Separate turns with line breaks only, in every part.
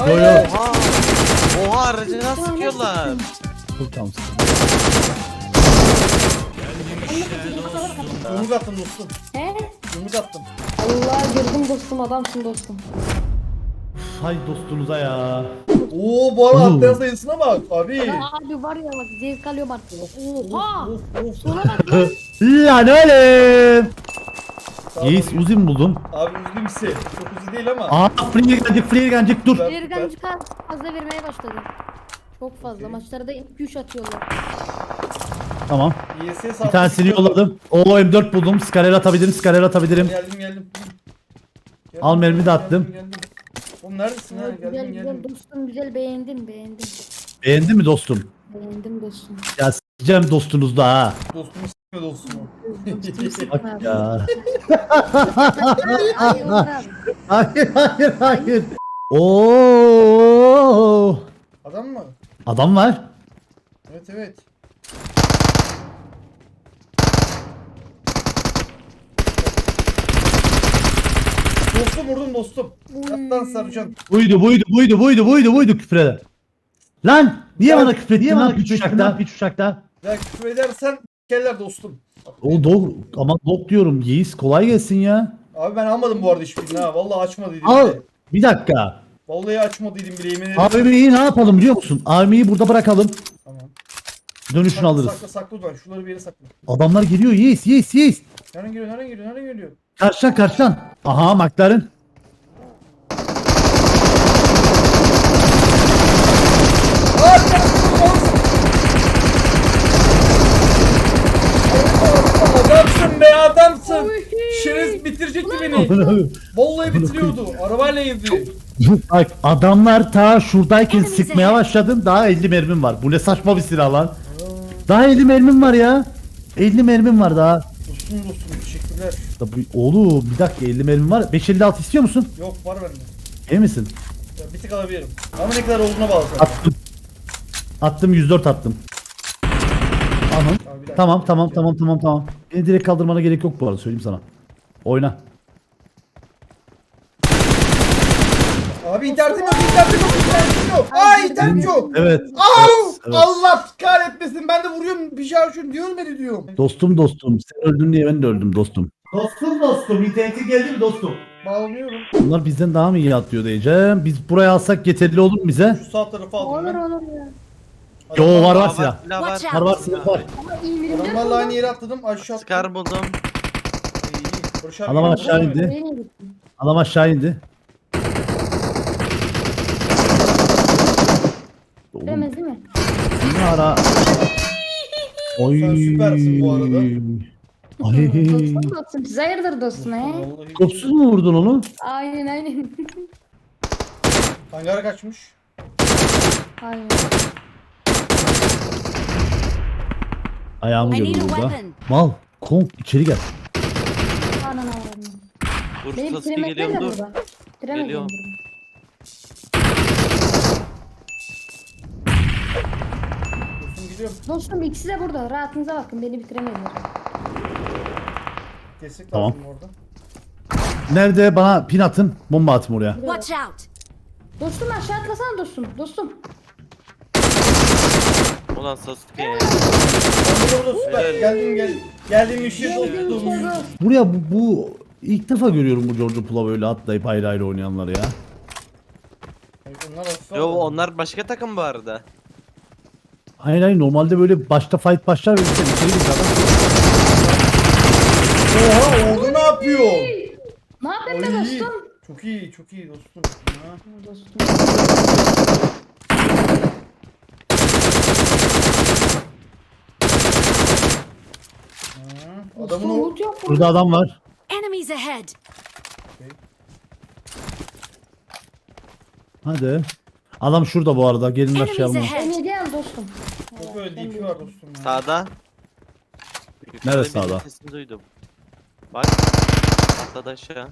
Yo yo.
Oha. Oha aracına sıkıyorlar.
Çok tamam.
Yumruk attım dostum.
He?
Yumruk attım.
Allah gördüm dostum, adamsın dostum.
Hay dostunuza ya.
Oo bu arada atlayan sayısına bak abi.
Ya abi var ya bak, zevk alıyorum artık. Oha!
Of of.
Sola bak lan.
Yani öyle.
Sağ ol.
Yiğit Uzi mi buldum?
Abi üzgün bir şey. Çok uzun değil ama.
Aa free gelecek dur.
Süper,
Ergancı fazla vermeye başladı. Çok fazla. Maçlarda 2-3 atıyorlar.
Tamam.
YS
Bir tanesini yolladım. Oo M4 buldum. Skarel atabilirim. Skarel atabilirim.
Geldim.
Al, mermi de attım.
Geldim. Oğlum neredesin ha?
Güzel
Geldim
güzel
geldim.
dostum, güzel, beğendim.
Beğendin mi dostum?
Beğendim dostum.
Ya s**eceğim dostunuzda ha.
Dostumu s**me dostumu.
Dostum sıkma
Bak
abi.
ya.
Ay, Onur abi.
Hayır. Oo.
Adam mı?
Adam var.
Evet. Dostum vurdum dostum. Yattan sarıcan.
Buydu küfreder. Lan niye bana küfrettin lan piç uçakta?
Ya küfür edersen keller dostum.
O dog ama dog diyorum Yiğis kolay gelsin ya.
Abi ben almadım bu arada hiçbirini ha. Vallahi açmadıydım
Al
bile.
bir dakika.
Vallahi açmadıydım bile yemin ederim.
AVM'yi ne yapalım biliyor musun? AVM'yi burada bırakalım.
Tamam.
Dönüşünü alırız.
Sakla lütfen. Şunları bir yere sakla.
Adamlar geliyor Yiğis.
Nereden geliyor?
Karşıdan. Aha McLaren.
Adamsın be adamsın. Şerez bitirecekti beni. Vallahi bitiriyordu. Arabayla yedi.
Bak adamlar ta şuradayken sıkmaya başladım. Daha 50 mermim var. Bu ne saçma bir silah lan. Daha 50 mermim var ya. 50 mermim var daha.
Dostum teşekkürler.
Oğlum bir dakika 50 mermim var. 556 istiyor musun?
Yok var bende.
Emin misin?
Ya, bir tık alabilirim. Ama ne kadar olduğuna bağlı. zaten.
Attım. Attım 104 attım. Tamam.
Abi, bir dakika.
Tamam. Beni direkt kaldırmana gerek yok bu arada söyleyeyim sana. Oyna.
Abi internetim yok. Ay internet yok.
Evet.
Au!
Evet.
Allah kahretmesin. Ben de vuruyorum bir şey şunu diyorum beni diyorum.
Dostum. Sen öldün diye ben de öldüm dostum. Dostum. İnternetin geldi mi dostum?
Bağlanıyorum.
Bunlar bizden daha mı iyi atlıyor diyeceğim. Biz buraya alsak yeterli olur mu bize?
Şu sağ tarafa aldım
Olur
ben.
olur ya.
Yo var
Aa,
silah.
silah var.
Watch
Var silah var.
Ama iyi birimler
Adamlarla aynı yere atladım aşağı attım.
Scar buldum.
İyi. Barış abi
Adam
yine
aşağı
vurdu mu?
indi. Adam aşağı indi. Oğlum
Demez değil mi?
ne ara? Oy.
Sen süpersin bu arada.
Ay.
Dostum. Siz hayırdır dostum he?
Vallahi.
Kopsuz mu vurdun onu?
Aynen.
Hangara kaçmış.
Aynen.
Ayağımı
I need
gördü
a
burada.
weapon.
Mal. Kong içeri gel.
Anan avradım.
Dur
Beni
Sasuke
bitiremezler
geliyorum
de
dur.
burada. Bitiremezler
Geliyorum.
burada.
Dostum gidiyorum.
Dostum ikisi de burada. Rahatınıza bakın, beni bitiremezler.
Destek
Tamam.
lazım orada.
Nerede? Bana pin atın. Bomba atayım oraya.
Watch out.
Dostum aşağı atlasana dostum. Dostum.
Ulan Sasuke.
Ben burada süper.
Evet.
Geldim işe
Geldim
dostum.
içeri.
Buraya bu ilk defa görüyorum bu George Pula böyle atlayıp ayrı ayrı oynayanları ya.
Onlar hafif
Yo
aldı.
onlar başka takım bu arada.
Hayır normalde böyle başta fight başlar ve işte içeri gir adam.
Oha orada ne yapıyor?
Ne yapayım be
Ay,
dostum?
Çok iyi dostum. Ha.
Dostum.
Ha. Adamın
Dostum
o...
loot yok
Burada
burada.
adam var.
Enemies ahead.
Hadi. Adam şurada bu arada. Gelin
Enemies
aşağıya.
ahead.
Beni gel dostum.
Çok böyle DP var dostum ya.
Sağda.
Neresi
Yukarıda birinin
sağda?
Sesini duydum. Bak. Atladı aşağı.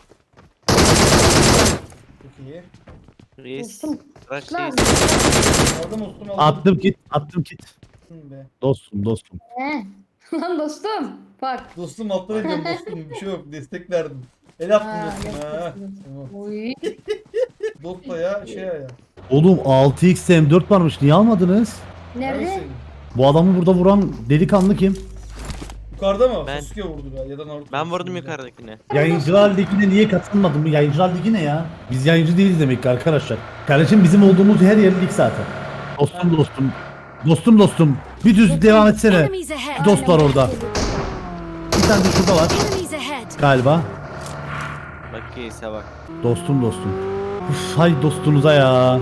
Çok iyi.
Reis.
Dostum.
Bırak
Lan.
reis.
Aldım dostum aldım.
Attım kit.
Be.
Dostum.
He. Lan dostum. Bak.
Dostum alttan ediyorum dostum. Bir şey yok. Destek verdim. El attım
Ha,
dostum ha.
yok dostum.
Tamam.
Oy.
Dotla ya şey ya.
Oğlum 6x M4 varmış. Niye almadınız?
Nerede?
Bu adamı burada vuran delikanlı kim?
Yukarıda mı?
Ben-
Sasuke vurdu ya da Naruto.
Ben vurdum yukarıdakine.
Yayıncılar Ligi'ne niye katılmadın? Bu Yayıncılar Ligi ne ya? Biz yayıncı değiliz demek ki arkadaşlar. Kardeşim bizim olduğumuz her yer lig zaten. Dostum dostum. Dostum dostum. Bir düz devam etsene.
Enemies ahead.
Dost var orada. Bir tane de şurada var
Enemies ahead.
galiba.
Bak iyiyse bak.
Dostum dostum. Uf, hay dostunuza ya.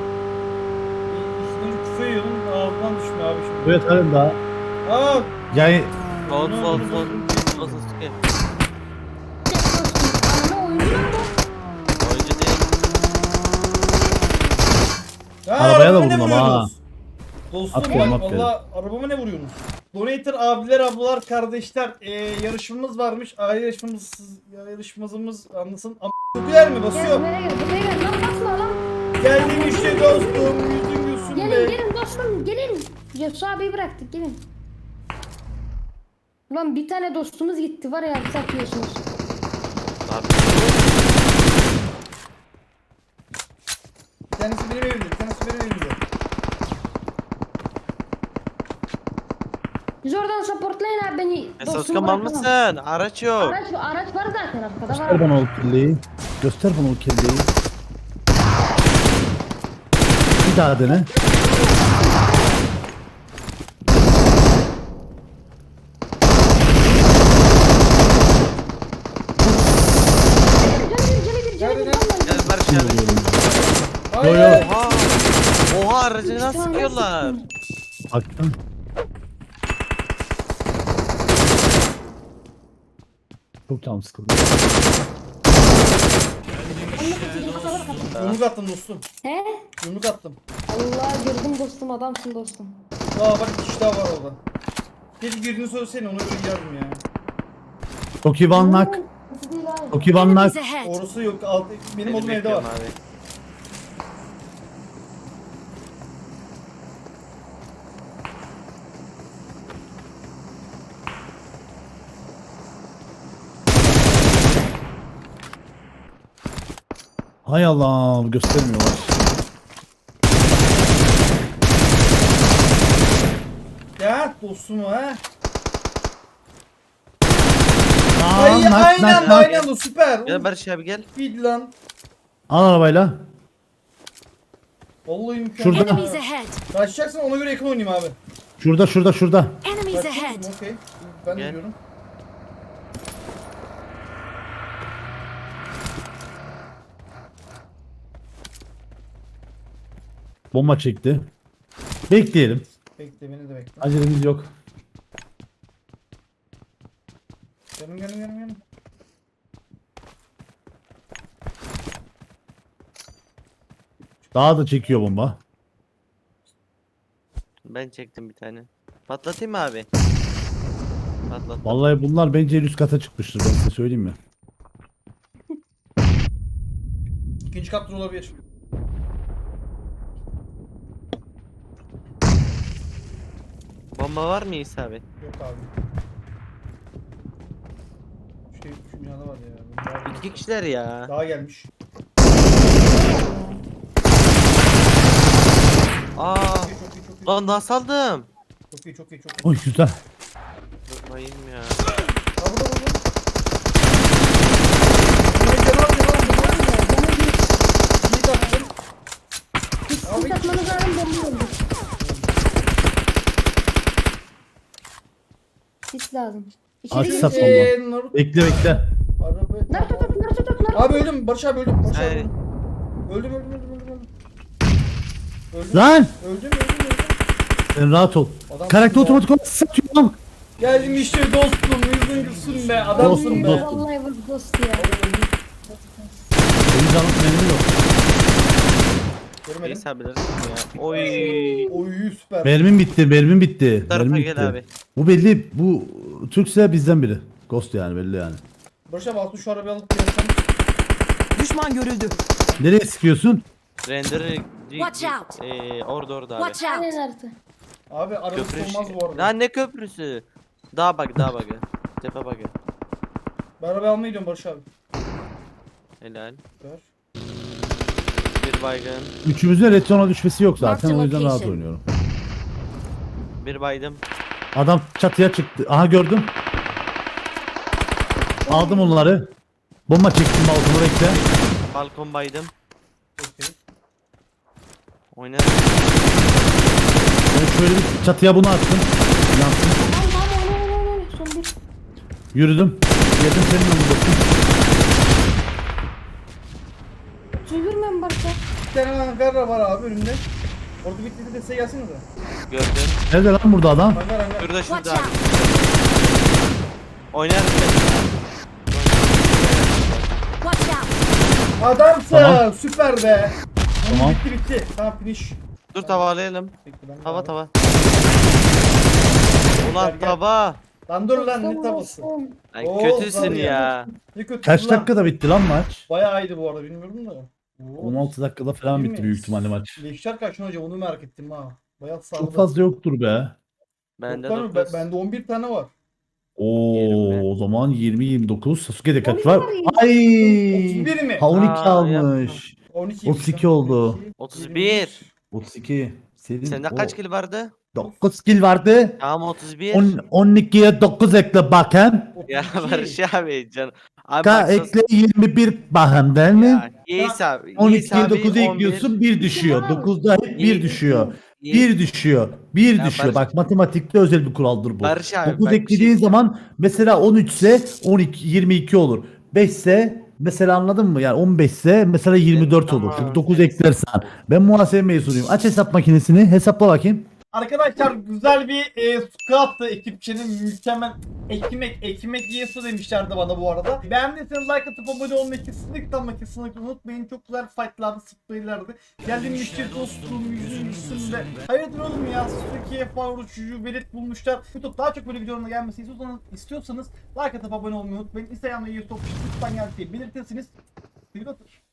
İsmini küfe yiyorum ağzından düşmüyor abi şimdi.
Evet halen daha.
Aa!
Yani
Sol sol sol. Sol Sasuke.
Ana oyuncu lan bu.
Oyuncu değil.
Ya,
Arabaya da
arabama ne
vurdum ama
vuruyorsunuz? Dostum
Aferin,
bak
aferin.
valla arabama ne vuruyorsunuz? Donator abiler ablalar kardeşler yarışmamız varmış. Yarışmamız anlasın. Çok yer mi
Gel
basıyor?
buraya gel. Buraya gel. Lan basma lan.
Geldim işte dostum yüzün gülsün
Gelin
be.
gelin dostum gelin. Yusuf abiyi bıraktık gelin. Ulan bir tane dostumuz gitti var ya satıyorsunuz.
Abi.
Bir tanesi benim evimde, bir tanesi benim evimde.
Biz oradan supportlayın abi beni.
Sasuke mal mısın? Araç yok.
Araç var zaten arkada
göster
var.
bana o kirliyi. Göster bana o kirliyi. Bir daha dene.
Nerede, nerede?
Gel Barış abi.
Hayır.
Oha. Oha aracı nasıl sıkıyorlar?
Baktım. Çok canım sıkıldı.
Yumruk attım dostum.
He?
Yumruk attım.
Allah gördüm dostum adamsın dostum.
Aa bak bir kişi daha var orada. Keşke girdiğini söylesene ona göre girerdim ya.
Çok iyi banlak.
Nasıl değil abi?
Çok iyi banlak.
Enemies ahead.
Orası yok. Benim odum evde var.
Bekliyorum abi.
Hay Allah göstermiyorlar.
Ya dostum ha.
Aa,
Ay
nak,
aynı
nak,
anda
nak.
aynı anda süper.
Gel Barış abi gel.
Feed lan.
Al arabayla.
Vallahi mükemmel.
Şurada.
Enemies ahead.
Kaçacaksın ona göre yakın oynayayım abi.
Şurada şurada şurada.
Enemies
Kaçacaksın
ahead.
okey. Ben de
Gel.
diyorum.
Bomba çekti. Bekleyelim.
Bekle beni de bekle.
Acelemiz yok.
Gelin.
Daha da çekiyor bomba.
Ben çektim bir tane. Patlatayım mı abi? Patlat.
Vallahi bunlar bence en üst kata çıkmıştır, ben size söyleyeyim mi?
İkinci katta olabilir.
Bomba var mı İsa abi?
Yok abi. Şu binada var ya. Daha,
İki kişiler ya.
daha gelmiş.
Aa.
Çok iyi.
Lan nasıl aldım?
Çok iyi.
Oy güzel.
Durmayayım ya.
Aa burada. Cevap. İyi attım.
Siz atmanız lazım bomba oldu. Sis lazım.
Aç
İçeri
sat
gir.
bomba.
Naruto.
Bekle bekle.
Araba.
Naruto tut Naruto tut Naruto.
Abi öldüm. Barış abi öldüm.
Hayır.
Öldüm.
Lan!
Öldüm.
Sen rahat ol.
Adam
Karakter
ya.
otomatik olarak satıyor lan.
Geldim işte dostum. Yüzün gülsün be. Adamsın be.
Dostum.
Vallahi bak dost ya.
Benim canım benim yok.
Görmedim.
İsa bilirsin ya. Oy.
Oy süper.
Mermim bitti, mermim bitti.
Bu tarafa
Mermim
gel
bitti.
abi.
Bu belli, bu Türkse bizden biri. Ghost yani, belli yani.
Barış abi altı şu arabayı alıp gelsem.
Düşman görüldü.
Nereye sıkıyorsun?
Render.
Watch out.
Orada abi.
Watch out.
Aynen Naruto.
Abi arabası
Köprü
olmaz bu arada.
Lan ne köprüsü? Daha bak. Tepe bak.
Ben arabayı almaya gidiyorum Barış abi.
Helal.
Ver.
Bir baygın.
Üçümüzün retona düşmesi yok zaten.
Marked
O yüzden rahat
location.
oynuyorum.
Bir baydım.
Adam çatıya çıktı. Aha gördüm. Aldım onları. Bomba çektim balkonu bekle.
Balkon baydım.
Okey.
Oynadım.
Ben şöyle bir çatıya bunu attım. Yansın.
Tamam oyna. Son bir.
Yürüdüm. Yedim senin önünde.
Çevirme mi Barış'a?
Bir tane hangar var abi önümde. Orada bitti de size gelsenize.
Gördüm.
Nerede lan burada adam?
Hangar.
Şurada
Watch
şurada.
out.
Oynarım ben.
Watch out.
Adamsın.
Tamam.
Süper be.
Tamam.
Bitti. Tamam finish.
Dur tavalayalım.
Bekle, ben de
Tava
abi.
tava.
Gel,
Ulan
gel.
tava.
Lan dur lan ne tavası.
Ay
Oo,
kötüsün
var
ya.
Ne kötü
Kaç
lan.
dakikada bitti lan maç?
Bayağı iyiydi bu arada bilmiyorum da. Oo.
16 dakikada falan
Değil
bitti
mi?
büyük ihtimalle maç.
Leşler kaç hocam onu merak ettim ha. Bayağı sağladı.
Çok fazla yoktur be.
Bende
Yok lan,
9.
bende 11 tane var.
Oo, o zaman 20-29. Sasuke'de kaç
12
var?
var ya.
Ay!
31 mi?
Ha 12
Aa,
almış.
12.
32 oldu.
31.
32. Senin
Sende kaç kill vardı?
9 kill vardı.
Tamam 31.
12'ye 9 ekle bakayım.
Ya
32.
Barış abi can. Abi
Ka
bak sos-
ekle 21 bakayım değil mi?
Ya, Yiğis abi. Yiğis
12'ye
abi
9'u
11.
ekliyorsun 1 düşüyor. 9'da hep 1
İyi.
düşüyor.
Yiğis-
1 düşüyor. 1
Ya
düşüyor.
Barış-
Bak matematikte özel bir kuraldır bu.
Barış abi,
9
bak bir
eklediğin
şey-
zaman mesela 13 ise 12 22 olur. 5 ise mesela anladın mı? Yani 15 ise mesela 24 olur.
Tamam.
Çünkü 9 eklersen. Ben muhasebe mezunuyum. Aç hesap makinesini. Hesapla bakayım.
Arkadaşlar güzel bir squat'tı ekipçinin mükemmel ekmek yiyesu demişlerdi bana bu arada. Beğendiyseniz like atıp abone olmayı kesinlikle unutmayın. Çok güzel fightlardı, spraylardı. Geldiğim müşteri dostluğum yüzün üstünde. Hayırdır oğlum ya, Türkiye falan uçucu belit bulmuşlar. YouTube daha çok böyle videolarına gelmesini istiyorsanız like atıp abone olmayı unutmayın. Instagram'da YouTube lütfen geldiği belirtirsiniz. Twitter